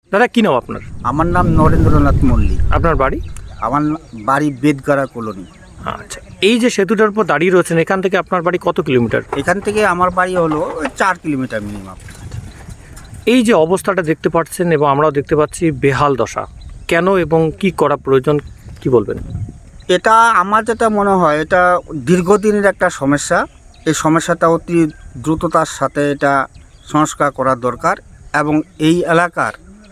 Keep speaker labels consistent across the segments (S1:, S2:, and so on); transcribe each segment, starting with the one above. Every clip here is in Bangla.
S1: দাদা কি নাম আপনার?
S2: আমার নাম নরেন্দ্রনাথ মল্লিক।
S1: আপনার বাড়ি?
S2: আমার বাড়ি বেদগাড়া কলোনি।
S1: আচ্ছা, এই যে সেতুটার উপর দাঁড়িয়ে রয়েছেন, এখান থেকে আপনার বাড়ি কত কিলোমিটার?
S2: এখান থেকে আমার বাড়ি হলো ওই 4 কিলোমিটার মিনিমাম।
S1: এই যে অবস্থাটা দেখতে পাচ্ছেন এবং আমরাও দেখতে পাচ্ছি বেহাল দশা, কেন এবং কি করা প্রয়োজন, কি বলবেন?
S2: এটা আমার যেটা মনে হয়, এটা দীর্ঘদিনের একটা সমস্যা। এই সমস্যাটা অতি দ্রুততার সাথে এটা সংস্কার করা দরকার। এবং এই এলাকার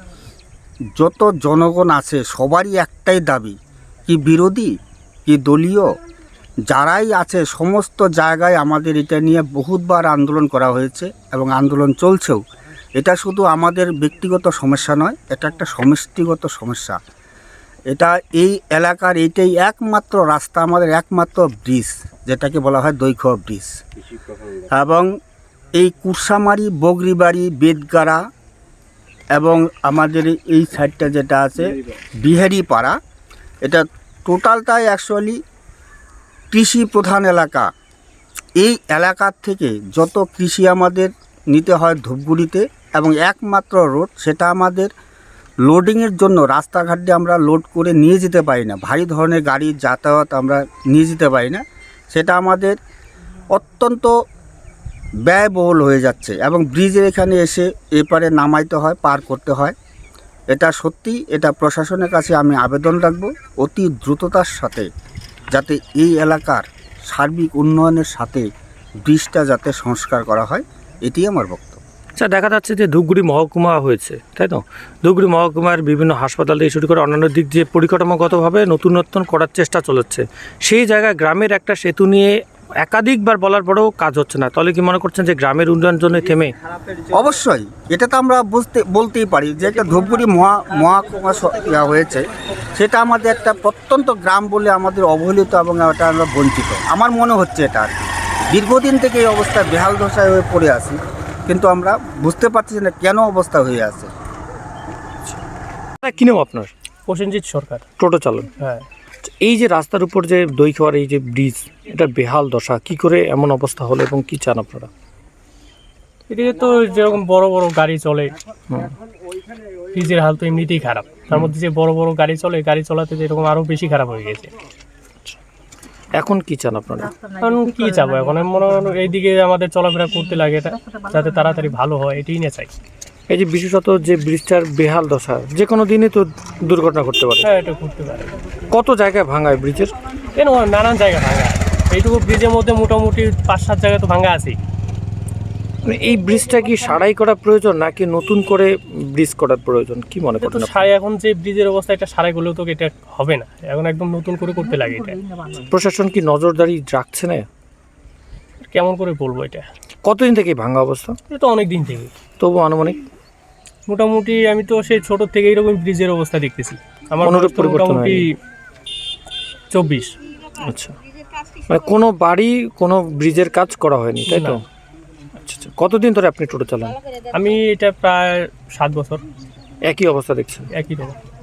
S2: যত জনগণ আছে সবারই একটাই দাবি, কি বিরোধী কি দলীয় যারাই আছে সমস্ত জায়গায় আমাদের এটা নিয়ে বহুতবার আন্দোলন করা হয়েছে এবং আন্দোলন চলছেও। এটা শুধু আমাদের ব্যক্তিগত সমস্যা নয়, এটা একটা সমষ্টিগত সমস্যা। এটা এই এলাকার এইটাই একমাত্র রাস্তা, আমাদের একমাত্র ব্রিজ, যেটাকে বলা হয় দৈঘ্য ব্রিজ। এবং এই কুরসামারি, বগরিবাড়ি, বেদগাড়া এবং আমাদের এই সাইডটা যেটা আছে বিহারি পাড়া, এটা টোটালটাই অ্যাকচুয়ালি কৃষি প্রধান এলাকা। এই এলাকার থেকে যত কৃষি আমাদের নিতে হয় ধূপগুড়িতে, এবং একমাত্র রোড সেটা আমাদের লোডিংয়ের জন্য রাস্তাঘাট দিয়ে আমরা লোড করে নিয়ে যেতে পারি না, ভারী ধরনের গাড়ি যাতায়াত আমরা নিয়ে যেতে পারি না। সেটা আমাদের অত্যন্ত ব্যয়বহুল হয়ে যাচ্ছে এবং ব্রিজের এখানে এসে এপারে নামাইতে হয়, পার করতে হয়। এটা সত্যি, এটা প্রশাসনের কাছে আমি আবেদন রাখবো অতি দ্রুততার সাথে যাতে এই এলাকার সার্বিক উন্নয়নের সাথে ব্রিজটা যাতে সংস্কার করা হয়, এটি আমার বক্তব্য।
S1: আচ্ছা, দেখা যাচ্ছে যে ধূপগুড়ি মহকুমা হয়েছে, তাই তো? ধূপগুড়ি মহকুমার বিভিন্ন হাসপাতাল থেকে শুরু করে অন্যান্য দিক দিয়ে পরিকাঠামোগতভাবে নতুনত্ব করার চেষ্টা চলেছে। সেই জায়গায় গ্রামের একটা সেতু নিয়ে একাধিকবার বলার পরেও কাজ হচ্ছে না, তাহলে কি মনে করছেন যে গ্রামের উন্নয়ন জন্য থেমে?
S2: অবশ্যই এটা তো আমরা বলতেই পারি যে একটা ধূপগুড়ি মহকুমা হয়েছে, সেটা আমাদের একটা প্রত্যন্ত গ্রাম বলে আমাদের অবহেলিত এবং এটা আমরা বঞ্চিত। আমার মনে হচ্ছে এটা আর কি দীর্ঘদিন থেকে এই অবস্থা বেহাল দশায় হয়ে পড়ে আছি, কিন্তু আমরা বুঝতে পারছি না কেন অবস্থা হয়ে আছে।
S1: কি নাম আপনার?
S3: প্রসেনজিৎ সরকার।
S1: টোটো চালক।
S3: হ্যাঁ,
S1: এই যে রাস্তার উপর যে দৈঘ্যর এই যে ব্রিজ, এটা বেহাল দশা, কি করে এমন অবস্থা হলো এবং কি চান আপনারা?
S3: এদিকে তো যেরকম বড় বড় গাড়ি চলে, ব্রিজের হাল তো এমনিতেই খারাপ, তার মধ্যে যে বড় বড় গাড়ি চলে, গাড়ি চলাতে যেরকম আরো বেশি খারাপ হয়ে গেছে।
S1: এখন কি চান আপনারা?
S3: কারণ কি চাবো এখন, আমি মনে হয় এইদিকে আমাদের চলাফেরা করতে লাগে, এটা যাতে তাড়াতাড়ি ভালো হয় এটাই না চাই।
S1: এই যে বিশেষত যে ব্রিজটার বেহাল দশা, যে কোনো দিনই তো দুর্ঘটনা ঘটতে পারে।
S3: হ্যাঁ, এটা করতে পারে।
S1: কত জায়গায় ভাঙায় ব্রিজের?
S3: কেন নানান জায়গা ভাঙা, এইটুকু ব্রিজের মধ্যে মোটামুটি 5-7 জায়গা তো ভাঙা আছেই।
S1: মানে এই ব্রিজটা কি সারাই করা প্রয়োজন নাকি নতুন করে ব্রিজ করার প্রয়োজন, কি মনে
S3: তো
S1: করেন?
S3: সারাই, এখন যে ব্রিজের অবস্থা, এটা সারাই করলেও তো এটা হবে না, এখন একদম নতুন করে করতে লাগে। এটা
S1: প্রশাসন কি নজরদারি রাখছে না?
S3: কেমন করে বলবো, এটা
S1: কতদিন থেকে ভাঙা অবস্থা?
S3: এটা তো অনেক দিন থেকে।
S1: তবু আনুমানিক
S3: মোটামুটি আমি তো সেই ছোট থেকে এইরকম ব্রিজের অবস্থা দেখতেছি। আমার
S1: অনুরূপ
S3: বয়স তো
S1: পরিবর্তন
S3: মোটামুটি 24।
S1: আচ্ছা, মানে কোনো বাড়ি কোনো ব্রিজের কাজ করা হয়নি, তাই তো?
S3: না।
S1: আচ্ছা আচ্ছা, কতদিন ধরে আপনি টোটো চালান?
S3: আমি এটা প্রায় 7 বছর
S1: একই অবস্থা দেখছেন?
S3: একই রকম।